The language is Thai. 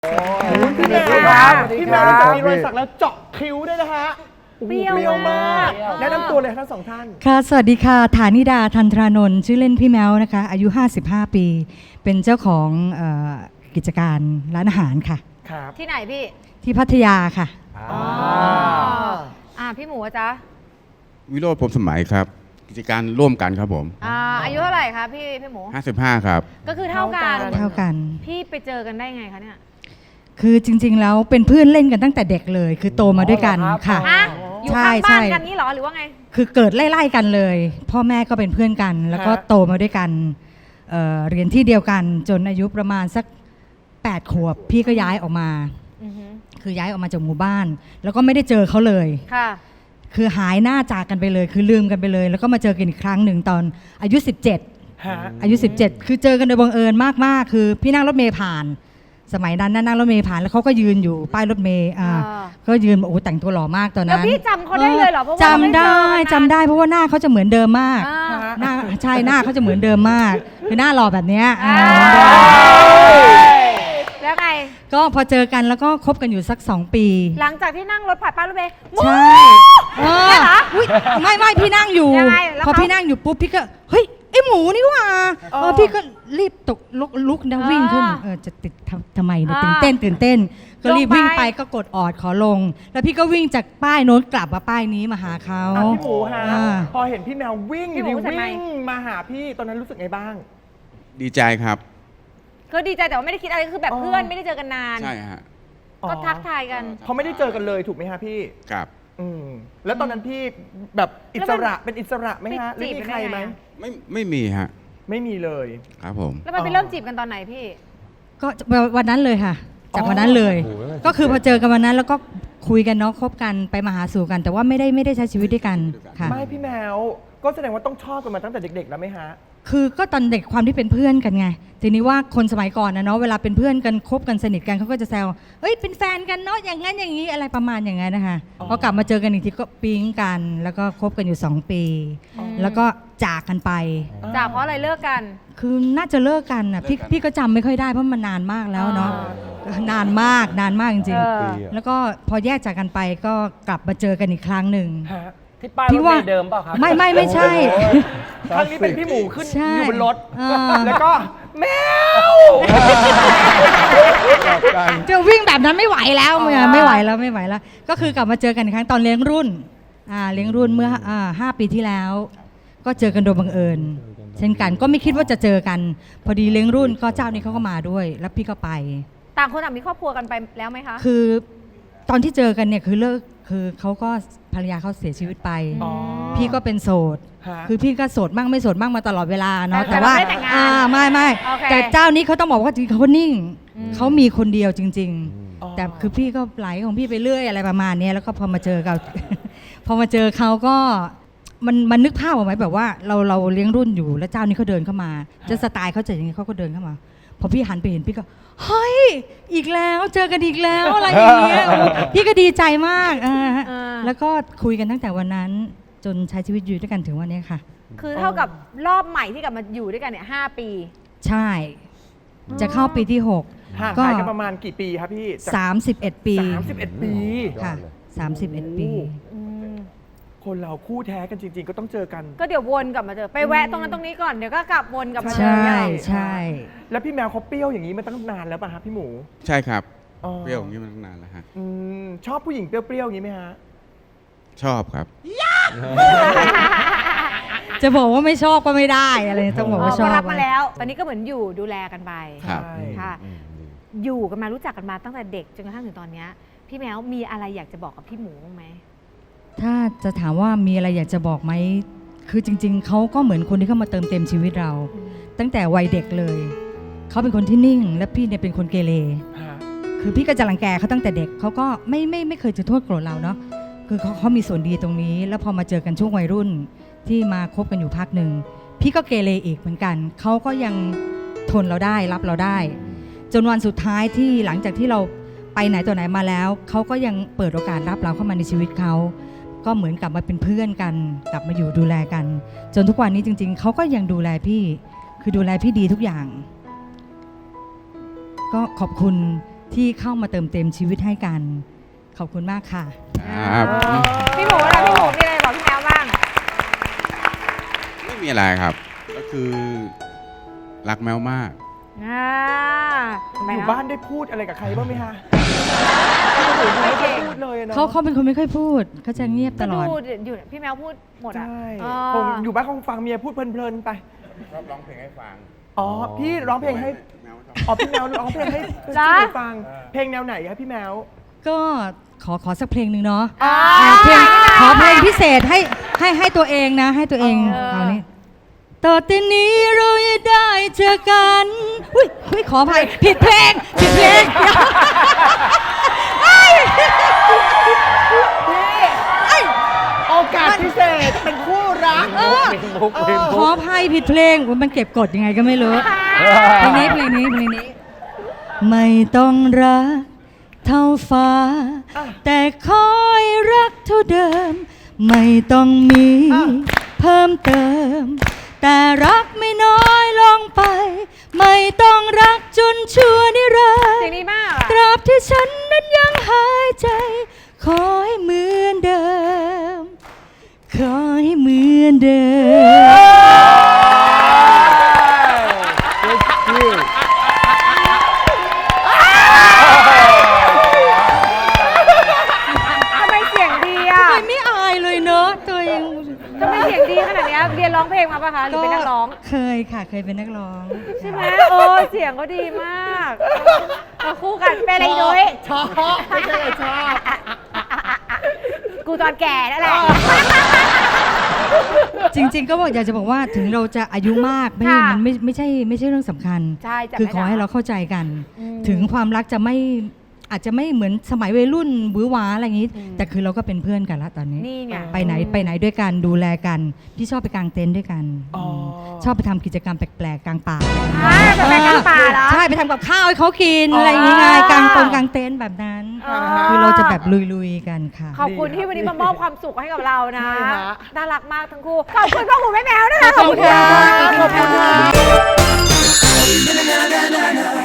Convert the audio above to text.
พี่แมวครับพี่แมวจะมีรอยสักแล้วเจาะคิ้วด้วยนะฮะเปรี้ยวมากแนะนำตัวเลยทั้งสองท่านค่ะสวัสดีค่ะฐานิดาทันทรานนท์ชื่อเล่นพี่แมวนะคะอายุ55 ปีเป็นเจ้าของกิจการร้านอาหารค่ะครับที่ไหนพี่ที่พัทยาค่ะพี่หมูจ๊ะวิโรจน์พรหมสมัยครับกิจการร่วมกันครับผมอายุเท่าไหร่คะพี่หมู 55ครับก็คือเท่ากันพี่ไปเจอกันได้ไงคะเนี่ยคือจริงๆแล้วเป็นเพื่อนเล่นกันตั้งแต่เด็กเลยคือโตมาด้วยกันค่ะอยู่ข้างบ้านกันนี่หรอหรือว่าไงคือเกิดไล่ๆกันเลยพ่อแม่ก็เป็นเพื่อนกันแล้วก็โตมาด้วยกันเรียนที่เดียวกันจนอายุประมาณสัก8 ขวบพี่ก็ย้ายออกมาคือย้ายออกมาจากหมู่บ้านแล้วก็ไม่ได้เจอเขาเลยค่ะคือหายหน้าจากกันไปเลยคือลืมกันไปเลยแล้วก็มาเจอกันอีกครั้งหนึ่งตอนอายุ17อายุ17คือเจอกันโดยบังเอิญมากๆคือพี่นั่งรถเมล์ผ่านสมัยนั้นนั่งรถเมล์ผ่านแล้วเขาก็ยืนอยู่ป้ายรถเมล์ก็ยืนโอ้แต่งตัวหล่อมากตอนนั้นแล้วพี่จำเขาได้เลยเหรอเพราะว่าจำได้เพราะว่าหน้าเขาจะเหมือนเดิมมากหน้าใช่หน้าเขาจะเหมือนเดิมมากคือหน้าหล่อแบบนี้แล้วไงก็พอเจอกันแล้วก็คบกันอยู่สัก2 ปีหลังจากที่นั่งรถผ่านป้ายรถเมล์ใช่ไม่พี่นั่งอยู่พอพี่นั่งอยู่ปุ๊บพี่ก็เฮ้ยไอหมูนี่ว่าพี่ก็รีบตกลุกนะวิ่งขึ้นจะติดทำไมเนี่ยตื่นเต้นก็รีบวิ่งไปก็กดออดขอลงแล้วพี่ก็วิ่งจากป้ายโน้นกลับมาป้ายนี้มาหาเขาพี่หมูฮะพอเห็นพี่แมววิ่งมาหาพี่ตอนนั้นรู้สึกไงบ้างดีใจครับก็ดีใจแต่ว่าไม่ได้คิดอะไรคือแบบเพื่อนไม่ได้เจอกันนานใช่ฮะก็ทักทายกันเขาไม่ได้เจอกันเลยถูกไหมฮะพี่ครับแล้วตอนนั้นพี่แบบอิสระเป็นอิสระไหมฮะหรือมีใครไหมไม่มีฮะไม่มีเลยครับผมแล้วมันไปเริ่มจีบกันตอนไหนพี่ก็วันนั้นเลยค่ะจากวันนั้นเลยก็คือพอเจอกันวันนั้นแล้วก็คุยกันเนาะคบกันไปมาหาสู่กันแต่ว่าไม่ได้ใช้ชีวิตด้วยกันค่ะไม่พี่แมวก็แสดงว่าต้องชอบกันมาตั้งแต่เด็กๆแล้วไหมฮะคือก็ตอนเด็กความที่เป็นเพื่อนกันไงทีนี้ว่าคนสมัยก่อนนะเนาะเวลาเป็นเพื่อนกันคบกันสนิทกันเขาก็จะแซวเฮ้ยเป็นแฟนกันเนาะอย่างนั้นอย่างนี้อะไรประมาณอย่างนั้นนะคะพอกลับมาเจอกันอีกทีก็ปิ๊งกันแล้วก็คบกันอยู่2 ปีแล้วก็จากกันไปจากเพราะอะไรเลิกกันคือน่าจะเลิกกันอ่ะพี่ก็จำไม่ค่อยได้เพราะมันนานมากแล้วเนาะนานมากจริงๆแล้วก็พอแยกจากกันไปก็กลับมาเจอกันอีกครั้งหนึ่งที่ป้ายรถเมล์เดิมเปล่าครับไม่ใช่ครั้งนี้เป็นพี่หมูขึ้นอยู่บนรถแล้วก็แมวจะวิ่งแบบนั้นไม่ไหวแล้วไม่ไหวแล้วก็คือกลับมาเจอกันอีกครั้งตอนเลี้ยงรุ่นเมื่อ5 ปีที่แล้วก็เจอกันโดยบังเอิญเช่นกันก็ไม่คิดว่าจะเจอกันพอดีเลี้ยงรุ่นก็เจ้านี้เขาก็มาด้วยแล้วพี่ก็ไปต่างคนต่างมีครอบครัวกันไปแล้วไหมคะคือตอนที่เจอกันเนี่ยคือเลิกคือเขาก็ภรรยาเขาเสียชีวิตไปพี่ก็เป็นโสดคือพี่ก็โสดมั่งไม่โสดมั่งมาตลอดเวลาเนาะแต่ว่าไม่แต่เจ้านี้เขาต้องบอกว่าจริงเขานิ่งเขามีคนเดียวจริงๆแต่คือพี่ก็ไหลของพี่ไปเรื่อยอะไรประมาณนี้แล้วก็พอมาเจอเขาก็มันนึกภาพออกไหมแบบว่าเราเลี้ยงรุ่นอยู่แล้วเจ้านี้เขาเดินเข้ามาจะสไตล์เขาจะอย่างนี้เขาก็เดินเข้ามาพอพี่หันไปเห็นพี่ก็เฮ้ยอีกแล้วเจอกันอีกแล้วอะไรอย่างเงี้ยพี่ก็ดีใจมากแล้วก็คุยกันตั้งแต่วันนั้นจนใช้ชีวิตอยู่ด้วยกันถึงวันนี้ค่ะคือเท่ากับรอบใหม่ที่กลับมาอยู่ด้วยกันเนี่ย5 ปีใช่จะเข้าปีที่6 ก็กันประมาณกี่ปีครับพี่ 31 ปี 31 ปีค่ะ31 ปีคนเราคู่แท้กันจริงๆก็ต้องเจอกันก็เดี๋ยววนกลับมาเจอไปแวะตรงนั้นตรงนี้ก่อนเดี๋ยวก็กลับวนกลับมาเจอใช่แล้วพี่แมวเขาเปรี้ยวอย่างนี้มาตั้งนานแล้วป่ะครับพี่หมูใช่ครับเปรี้ยวอย่างนี้มาตั้งนานแล้วฮะชอบผู้หญิงเปรี้ยวๆอย่างนี้ไหมฮะชอบครับจะบอกว่าไม่ชอบก็ไม่ได้อะไรต้องบอกว่าชอบรับมาแล้วตอนนี้ก็เหมือนอยู่ดูแลกันไปค่ะอยู่กันมารู้จักกันมาตั้งแต่เด็กจนกระทั่งถึงตอนนี้พี่แมวมีอะไรอยากจะบอกกับพี่หมูบ้างไหมถ้าจะถามว่ามีอะไรอยากจะบอกไหมคือจริงๆเขาก็เหมือนคนที่เข้ามาเติมเต็มชีวิตเราตั้งแต่วัยเด็กเลยเขาเป็นคนที่นิ่งและพี่เนี่ยเป็นคนเกเรคือพี่ก็จะรังแกเขาตั้งแต่เด็กเขาก็ไม่เคยจะโทษโกรธเราเนาะคือเขามีส่วนดีตรงนี้แล้วพอมาเจอกันช่วงวัยรุ่นที่มาคบกันอยู่พักหนึ่งพี่ก็เกเรอีกเหมือนกันเขาก็ยังทนเราได้รับเราได้จนวันสุดท้ายที่หลังจากที่เราไปไหนต่อไหนมาแล้วเขาก็ยังเปิดโอกาสรับเราเข้ามาในชีวิตเขาก็เหมือนกลับมาเป็นเพื่อนกันกลับมาอยู่ดูแลกันจนทุกวันนี้จริงๆเขาก็ยังดูแลพี่คือดูแลพี่ดีทุกอย่างก็ขอบคุณที่เข้ามาเติมเต็มชีวิตให้กัน ขอบคุณมากค่ะครับพี่หมูนะพี่หมูมีอะไรบอกพี่แมวบ้างไม่มีอะไรครับ ก็คือรักแมวมากอยู่บ้านได้พูดอะไรกับใครบ้างไหมฮะไม่ได้พูดเลยอะเนาะเขาเป็นคนไม่ค่อยพูดเขาจะเงียบตก็ลอดดูอยู่พี่แมวพูดหมดอ่ะใช่อ๋อคงอยู่บ้านคงฟังเมียพูดเพลินๆไปชอบร้องเพลงให้ฟังอ๋อ พี่ร้องเพลงให้แมวชอบอ๋อ พี่แมวร้องเพลงให้จ๊ะพี่ฟัง เพลงแนวไหนครับพี่แมวก็ขอสักเพลงหนึ่งเนาะอ่าเพลงขอเพลงพิเศษให้ตัวเองนะ ให้ตัวเองเอานี้ต่อแต่นี้เราจะได้เจอกันอุ้ยขออภัยผิดเพลงโอกาสพิเศษเป็นคู่รักขออภัยผิดเพลงอุ๊ยมันเก็บกดยังไงก็ไม่รู้เพลงนี้ไม่ต้องรักเท่าฟ้า แต่คอยรักเท่าเดิม ไม่ต้องมีเพิ่มเติม แต่รักไม่น้อยลงไป ไม่ต้องรักจนชั่วนิรันเสียงดดีร์มากตราบที่ฉันนั้นยังหายใจ ขอให้เหมือนเดิม ขอให้เหมือนเดิมทำไมเสียงดีอ่ะทำไมไม่อายเลยเนอะตัวเองทำไมเสียงดีขนาดเนี้ยเรียนร้องเพลงมาปะคะหรือเป็นนักร้องเคยค่ะเคยเป็นนักร้องใช่ไหมโอ้เสียงก็ดีมากมาคู่กันเป็นอะไรด้วยชอบไม่ใช่ชอบกูตอนแก่นั่นแหละจริง ๆ ก็อยากจะบอกว่าถึงเราจะอายุมากมันไม่ใช่เรื่องสำคัญใช่จะคือขอให้เราเข้าใจกัน ถึงความรักจะไม่อาจจะไม่เหมือนสมัยวัยรุ่นหวือหวาอะไรอย่างนี้ แต่คือเราก็เป็นเพื่อนกันละตอนนี้นี่ไงไปไหนด้วยกันดูแลกันพี่ชอบไปกางเต็นท์ด้วยกันอ๋อชอบไปทำกิจกรรมแปลกๆกลางป่าไปกลางป่าเหรอใช่ไปทำกับข้าวให้เขากินอะไรอย่างงี้ไงกางเต็นท์แบบนั้นอ๋อคือเราจะแบบลุยๆกันค่ะขอบคุณที่วันนี้มามอบความสุขให้กับเรานะใช่ฮะน่ารักมากทั้งคู่ ขอบคุณพ่อหมูแม่แมวนะคะขอบคุณค่ะขอบคุณค่ะ